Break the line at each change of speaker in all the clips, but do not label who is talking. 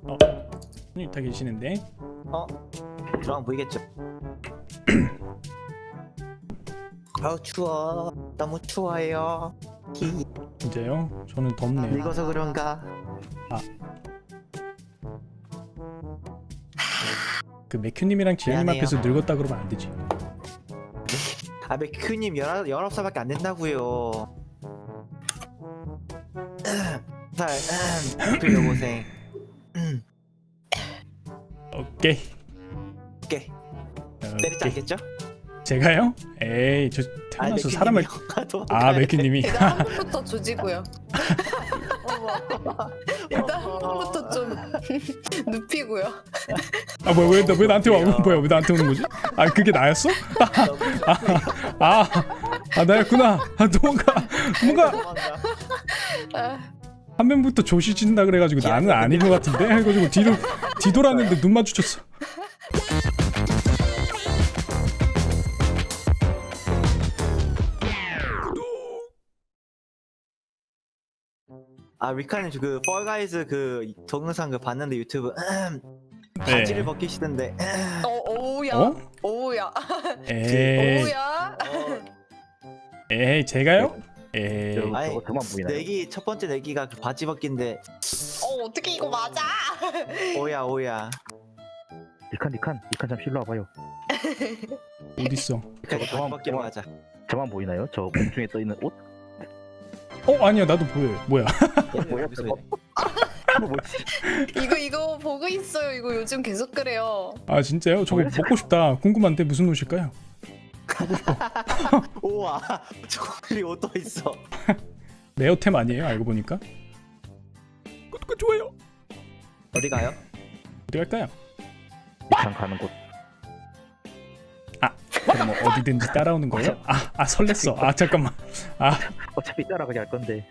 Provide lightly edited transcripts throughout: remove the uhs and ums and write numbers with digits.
손님 다 계시는데.
저랑 보이겠죠? 아우 추워. 너무 추워요.
진짜요? 저는 덥네요.
늙어서 그런가?
그 맥큐님이랑 지현님
미안해요.
앞에서 늙었다 그러면 안 되지.
아 맥큐님 19살밖에 안 된다고요. 살 여고생.
오케이.
오케이. 때리지 않겠죠?
제가요? 에이, 저 태어나서 사람을. 맥큐님이.
일단 한 번부터 조지고요. 일단 한 번부터 좀 눕히고요.
왜 나한테 와? 뭐야, 왜 나한테 오는 거지? 그게 나였어? 나였구나. 뭔가 한 명부터 조시진다 그래가지고 나는 아닌 것 같은데 해가지고 뒤돌았는데 눈 마주쳤어.
리카님 그 펄가이즈 그 동영상 그 봤는데 유튜브
네.
바지를 벗기시던데.
오우야.
어?
오우야.
에이,
오우야.
에이, 제가요? 에이,
아니,
저만 보이나요?
내기 첫 번째 내기가 그 바지 벗기인데
어떻게 이거 맞아?
오야.
니칸 좀 실로 와봐요.
어딨어?
바지
저만-
벗기로
저만-
하자.
저만 보이나요? 저 공중에 떠 있는 옷?
아니야, 나도 보여요. 뭐야?
뭐야,
여기서
저거? 이거 뭐지?
이거 보고 있어요. 이거 요즘 계속 그래요.
진짜요? 저거 먹고 싶다. 궁금한데 무슨 옷일까요?
우와 저기 옷도 있어.
레어템 아니에요? 알고 보니까. 구독과 좋아요.
어디 가요?
어디 갈까요?
니칸 가는 곳.
그럼 어디든지 따라오는 거예요? 설렜어. 잠깐만.
어차피 따라가게 할 건데.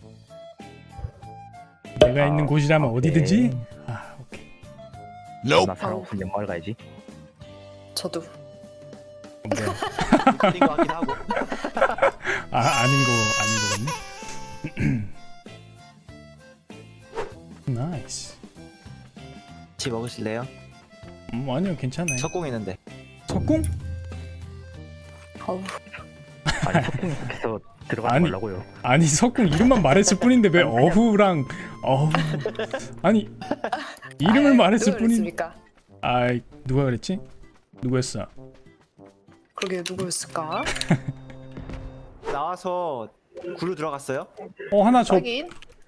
내가 있는 곳이라면
오케이.
어디든지. 오케이.
나 사람 없으면 연마을 가야지.
저도.
뭐야?
아닌 것 같기도 하고.
아닌 거 같네. 나이스.
같이 먹으실래요?
아니요, 괜찮아요.
석공 있는데.
석궁?
어우.
아니 석궁에 속해서 들어가지
아니.
말라고요.
아니, 석궁 이름만 말했을 뿐인데 왜 어후랑 아니 이름을 말했을
누가
뿐인.
그랬습니까?
누가 그랬지? 누구였어?
그러게 누구였을까?
나와서 구루 들어갔어요?
하나 저.
확인.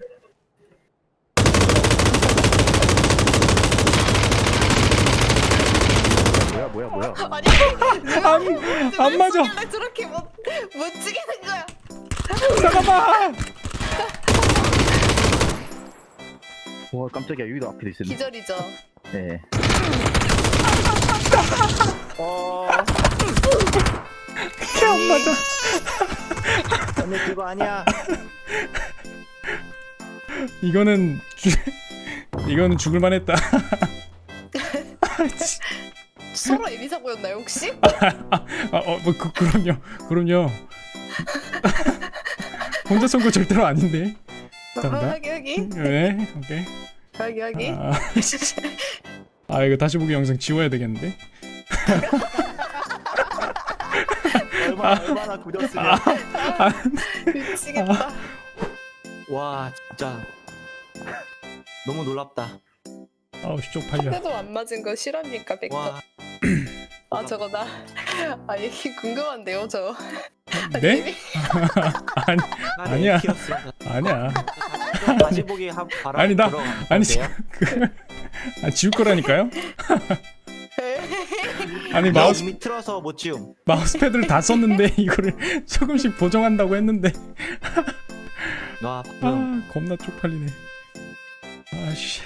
뭐야?
아니
안 맞아.
왜 저렇게 못 찍는 거야?
잠깐만.
와 깜짝이야, 여기도 앞에도 있었네.
기절이죠.
네.
안 맞아.
언니 그거 아니야.
이거는 죽을 만했다.
서로 애미 사고였나요 혹시?
그럼요. 혼자 쏜 거 절대로 아닌데. 감사합니다.
확인.
네, 오케이.
확인.
이거 다시 보기 영상 지워야 되겠는데.
얼마나 굳었으면.
미치겠다.
와 진짜 너무 놀랍다.
쪽팔려.
해도 안 맞은 거 실합니까 백터?
와
저거 나 얘기 궁금한데요 저.
네? 아니야.
키웠어.
아니야.
다시 보기 바로
아니, 나- 아니,
돼요?
지울 거라니까요? 아니
이미 틀어서 못 지움.
마우스패드를 다 썼는데 이거를 조금씩 보정한다고 했는데.
와 방금
겁나 쪽팔리네. 아씨.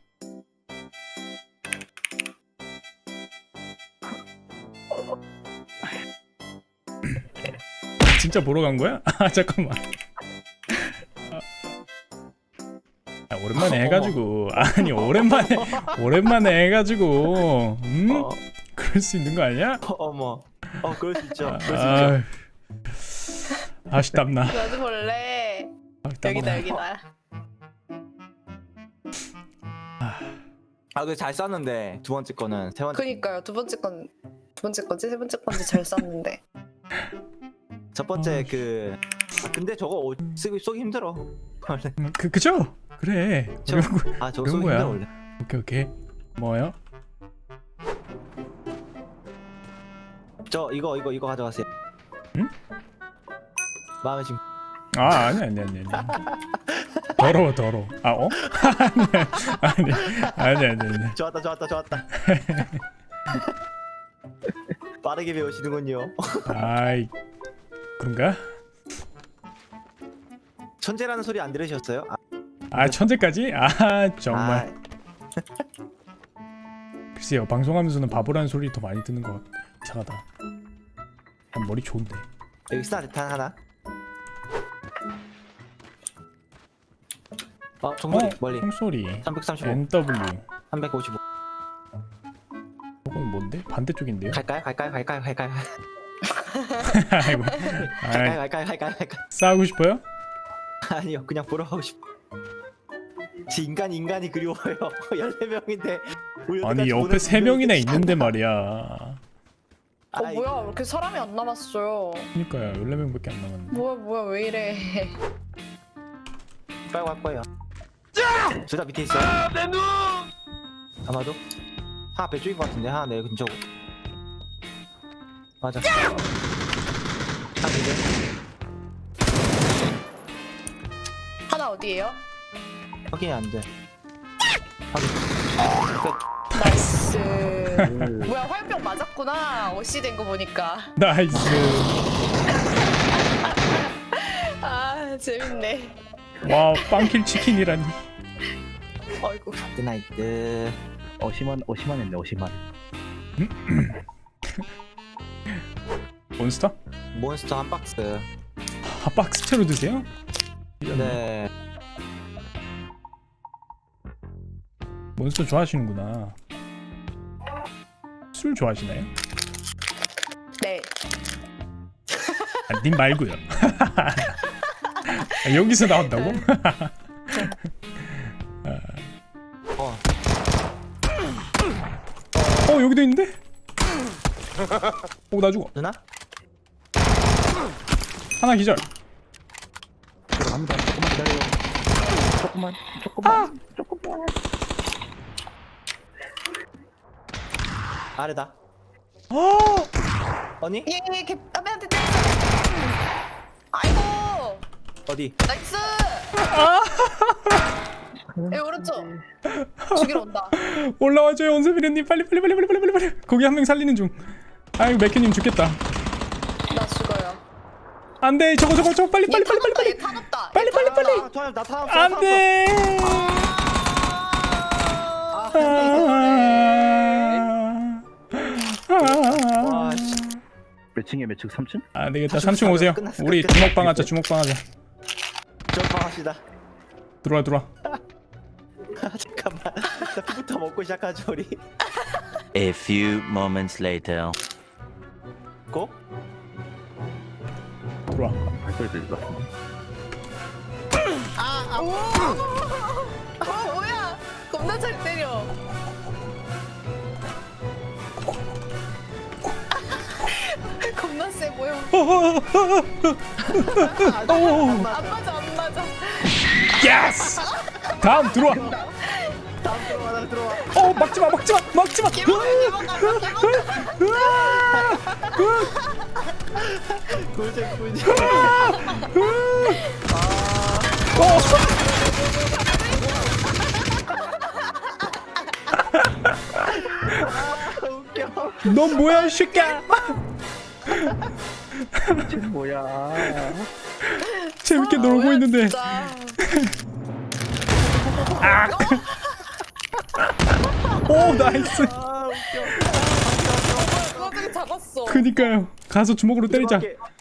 진짜 보러 간 거야? 잠깐만. 오랜만에 해가지고. 아니, 오랜만에 해가지고. 그럴 수 있는 거 아니야?
어머. 그럴 수 있죠. 그럴 수 있죠.
땀나.
나도 볼래. 여기다.
아, 그 잘 쐈는데 두 번째 거는 세 번째.
그니까요. 두 번째 거지? 세 번째 건지 잘 쐈는데.
첫 번째 그. 아, 근데 저거 쏘기 힘들어. 원래.
그죠? 그래.
저-
그런 거-
아, 저거
그런
쏘기
거야.
힘들어 원래.
오케이. 뭐요?
저 이거 가져가세요.
응?
마음에 지금.
아 아니. 더러워. 아 어? 아니.
좋았다. 빠르게 배우시는군요.
아이 그런가?
천재라는 소리 안 들으셨어요?
아 천재까지? 아 정말. 글쎄요 방송하면서는 바보라는 소리 더 많이 듣는 것 같... 이상하다. 난 머리 좋은데.
여기 스나 대탄 하나. 종소리 멀리.
총소리.
335,
NW.
355.
저건 뭔데? 반대쪽인데요?
갈까요?
아이고. 아이,
갈까요?
싸우고 싶어요?
아니요, 그냥 보러 가고 싶어. 인간이 그리워요. 14명인데.
아니 옆에 3명이나 있는데 말이야.
뭐야 왜 이렇게 사람이 안 남았어요.
그니까요 14명밖에 안 남았는데.
뭐야 왜 이래.
빨리 갈 거예요. 둘 다 밑에 있어요. 내 눈! 아마도? 하나 배 쪽인 것 같은데, 하나 내 근처고. 맞아. 하나 이제
하나 어디에요?
확인이 안 돼. 확인. 끝.
나이스. 뭐야 화염병 맞았구나. 어시 된 거 보니까.
나이스.
아 재밌네.
와 빵킬 치킨이라니.
아이고.
나이트.
어시만 했네 어시만.
몬스터?
몬스터 한 박스.
아 박스채로 드세요?
네.
몬스터 좋아하시는구나. 술 좋아하시나요?
네.
아, 님 말고요. 아, 여기서 나온다고?
어.
여기도 있는데? 나 죽어.
누나?
하나 기절.
갑니다. 조금만 기다려요. 조금만.
아래다. 언니?
예, 개빠매한테 때렸어. 아이고,
어디?
나이스. 예, 오른쪽. 죽이러 온다.
올라와줘요 원세미르님 빨리. 거기 한 명 살리는 중. 아이고 맥큐님 죽겠다.
나 죽어요.
안돼 저거 빨리.
얘 타났다. 얘 타났다.
빨리.
나 타놨어.
안돼.
와, 씨.
몇 층이야 몇 층? 3층?
안 되겠다.
사실
3층 오세요.
끝났어.
우리 주먹방 하자.
전방합시다.
들어와.
잠깐만. 나 피부터 먹고 시작하죠 우리.
A few moments later.
고?
들어와.
발소리 들릴 것 같은데.
뭐야? 겁나 잘 때려. 겁나 세 보여. 안 맞아.
예스. 다음 들어와.
나 들어와.
막지마.
꿀잼. 웃겨.
넌 뭐야 이 새끼야.
쟤는 뭐야?
재밌게 놀고 있는데.
진짜.
오 나이스.
아 웃겨.
그거 되게 잡았어.
그니까요. 가서 주먹으로 때리자.
들어갈게.